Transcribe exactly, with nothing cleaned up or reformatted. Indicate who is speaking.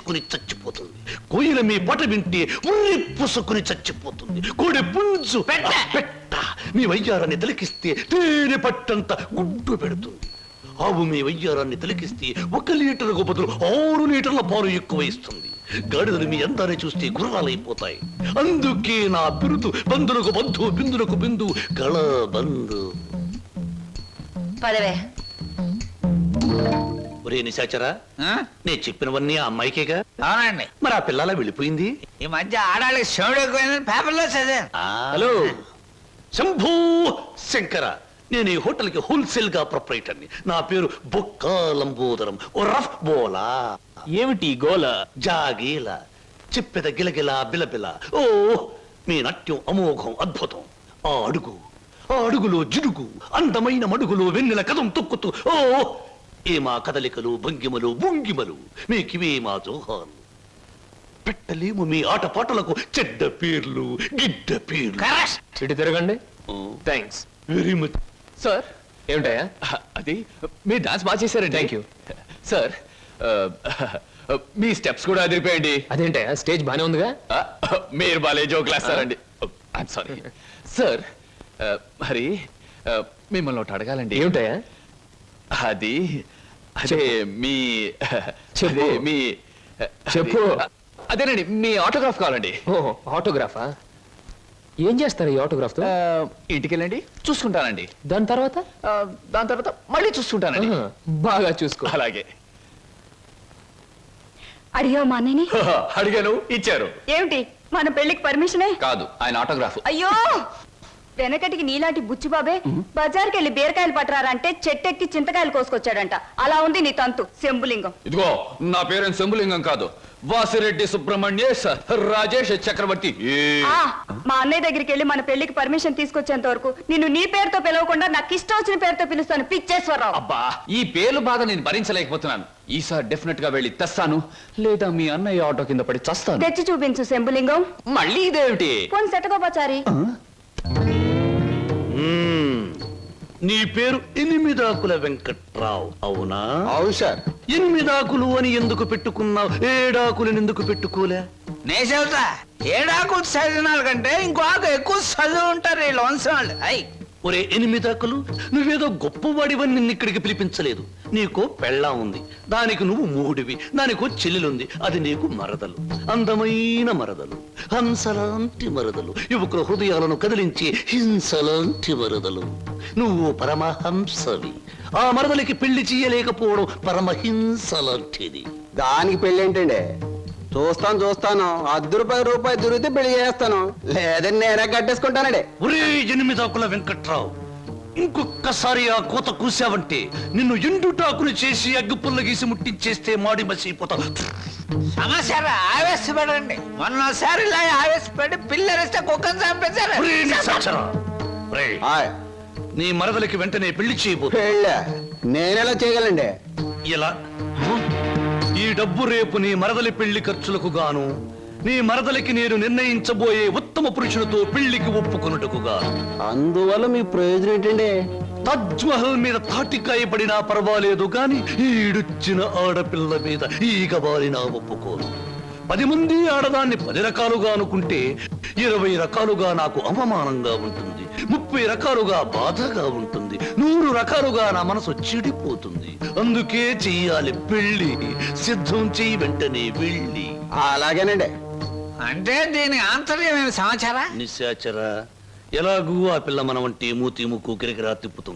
Speaker 1: వేసుకుని చచ్చిపోతుంది. కోయిల మీ పాట వింటే ఉర్రి పుసుకుని చచ్చిపోతుంది. కోడి పుంజు పెట్ట మీ వయ్యారాన్ని తిలకిస్తే తేనె పట్టంత గుడ్డు పెడుతుంది. ఆవు మీ వయ్యారాన్ని తిలకిస్తే ఒక లీటర్కు బదులు ఆరు లీటర్ల పాలు ఎక్కువ ఇస్తుంది. గాడిదలు మీ అందాన్ని చూస్తే గుర్రాలైపోతాయి. అందుకే నా బిరుదు బంధులకు బంధు బిందులకు బిందు గళ బంధు.
Speaker 2: పదవే.
Speaker 1: ఒరే నిశాచరా, నేను చెప్పినవన్నీ ఆ అమ్మాయికేగా?
Speaker 3: అవునండి.
Speaker 1: మరి ఆ పిల్లలా వెళ్ళిపోయింది.
Speaker 3: ఈ మధ్య ఆడాళ్ళకి శివుడు ఎక్కువైందని పేపర్లో చదివాను.
Speaker 1: హలో శంభూ శంకర, నేను ఈ హోటల్ కి హోల్సేల్ గా ప్రొపరేటర్ని. నా పేరు బొక్క లంబోదరం. ఓ రఫ్ బోలా.
Speaker 4: ఏమిటి గోల?
Speaker 1: జాగీల చెప్పెద గిలగిల బిలబిల. ఓ మీ నాట్యం అమోఘం అద్భుతం. ఆ అడుగు ఆ అడుగులో జిడుగు, అందమైన మడుగులో వెన్నెల కథం తొక్కుతూ. ఓ ఏ మా కదలికలు భంగిమలు భుంగిమలు, మీకివే మా జోహాలు. పెట్టలేము మీ ఆటపాటలకు చెడ్డ పేర్లు గిడ్డ పేర్లు.
Speaker 4: ఇటు తిరగండి. Thanks
Speaker 1: very much
Speaker 4: sir. ఏమిటయా అది? మీరు డాన్స్ బాగా చేశారండి. Thank you sir. మీ స్టెప్స్ కూడా అదిరిపోయండి. అదేంటయా స్టేజ్ బానే ఉందిగా? మీరు బాలే జోకులు వేస్తారండి. I'm sorry sir. మరి మిమ్మల్ని ఒకటి అడగాలండి. ఏమిటయా అది? అదే మీ అదే మీ చెప్పు. అదేనండి మీ ఆటోగ్రాఫ్ కావాలండి. ఓహో ఆటోగ్రాఫా? ఏం చేస్తారు ఈ ఆటోగ్రాఫ్ తో? ఇంటికి వెళ్ళండి చూసుకుంటానండి. దాని తర్వాత దాని తర్వాత మళ్ళీ చూసుకుంటానండి. బాగా చూసుకో. అలాగే.
Speaker 2: అడిగా మా అన్నయ్యని?
Speaker 4: అడిగాను, ఇచ్చారు.
Speaker 2: ఏమిటి మన పెళ్లికి పర్మిషనే?
Speaker 4: కాదు, ఆయన ఆటోగ్రాఫ్.
Speaker 2: అయ్యో, వెనకటికి నీలాంటి బుచ్చిబాబే బజార్కి వెళ్ళి బీరకాయలు పట్టరారంటే చెట్టెక్కి చింతకాయలు కోసుకొచ్చాడంట. అలా ఉంది నీ తంతు శంభులింగం.
Speaker 4: ఇదిగో నా పేరు శంభులింగం కాదు, వాసిరెడ్డి సుబ్రహ్మణ్యేశ్ రాజేష్ చక్రవర్తి.
Speaker 2: మా అన్నయ్య దగ్గరికి వెళ్ళి మన పెళ్లికి పర్మిషన్ తీసుకొచ్చేంత వరకు నిన్ను నీ పేరుతో పిలవకుండా నాకు ఇష్టం వచ్చిన పేరుతో పిలుస్తాను పిచ్చేశ్వరరావు.
Speaker 4: అబ్బా, ఈ పేర్లు బాధ నేను భరించలేకపోతున్నాను. ఈసారి డెఫినెట్ గా వెళ్ళి తెస్తాను, లేదా మీ అన్నయ్య ఆటో కింద పడి చస్తాను.
Speaker 2: తెచ్చి చూపించు శంభులింగం.
Speaker 4: మళ్ళీ ఇదేమిటి?
Speaker 2: పోని సెటగోపచారి.
Speaker 1: నీ పేరు ఎనిమిదాకుల వెంకట్రావు అవునా?
Speaker 3: అవును సార్.
Speaker 1: ఎనిమిదాకులు అని ఎందుకు పెట్టుకున్నావు? ఏడాకులను ఎందుకు పెట్టుకోలే?
Speaker 3: నే చెబుతా, ఏడాకులు చదివినాల కంటే ఇంకో ఆకు ఎక్కువ చదువు ఉంటారు వీళ్ళు వంశవాళ్ళు. అయ్
Speaker 1: ఒరే ఎనిమిదాకులు, నువ్వేదో గొప్పవాడివని నిన్ను ఇక్కడికి పిలిపించలేదు. నీకో పెళ్ళా ఉంది, దానికి నువ్వు మూడివి. దానికో చెల్లెలుంది, అది నీకు మరదలు. అందమైన మరదలు, హంసలాంటి మరదలు, యువకుల హృదయాలను కదిలించి హింసలాంటి మరదలు. నువ్వు పరమహంసవి. ఆ మరదలికి పెళ్లి చేయలేకపోవడం పరమహింసలాంటిది.
Speaker 5: దానికి పెళ్లి ఏంటండి? చూస్తాను చూస్తాను అర్ధ రూపాయి రూపాయి దొరికితే పెళ్లి చేస్తాను, లేదని నేనే కట్టేసుకుంటానండి.
Speaker 1: ఒరే ఎనిమిదాకుల వెంకట్రావు, ఇంకొక్కసారి ఆ కోత కూసావంటే నిన్ను ఎండుటాకులు చేసి అగ్గిపుల్ల గీసి ముట్టించేస్తే మాడి మసిపోతావు.
Speaker 3: సమస్య ఆవేశపడండి. మొన్నసారి ఇలా ఆవేశపడి పిల్లరిస్తే కుక్కను చంపేశారు.
Speaker 1: ఒరే నిశాచరా, ఒరే,
Speaker 5: హాయ్,
Speaker 1: నీ మరదలికి వెంటనే పెళ్లి చేయబో.
Speaker 5: పెళ్ళా? నేనెలా చేయగలండి?
Speaker 1: ఇలా ఈ డబ్బు రేపు నీ మరదలి పెళ్లి ఖర్చులకు గాను, నీ మరదలికి నేను నిర్ణయించబోయే ఉత్తమ పురుషునితో పెళ్లికి ఒప్పుకొనుటకు గాను.
Speaker 5: అందువల్ల మీ ప్రయోజనం ఏంటండి?
Speaker 1: తాజ్ మహల్ మీద తాటికాయ పడినా పర్వాలేదు గాని ఈడుచ్చిన ఆడపిల్ల మీద ఈగ బారినా ఒప్పుకోను. పది మంది ఆడదాన్ని పది రకాలుగా అనుకుంటే ఇరవై రకాలుగా నాకు అవమానంగా ఉంటుంది, ముప్పై రకాలుగా బాధగా ఉంటుంది, నూరు రకాలుగా నా మనసు చెడిపోతుంది. అందుకే చెయ్యాలి పెళ్లి. సిద్ధం చెయ్యి వెంటనే వెళ్ళి.
Speaker 5: అలాగేనండి.
Speaker 3: అంటే దీని ఆంతర్యం ఏమి సమాచారా?
Speaker 1: నిశాచరా, ఎలాగూ ఆ పిల్ల మన వంటి మూతి ముక్కు కిరకిరా తిప్పుతుంది.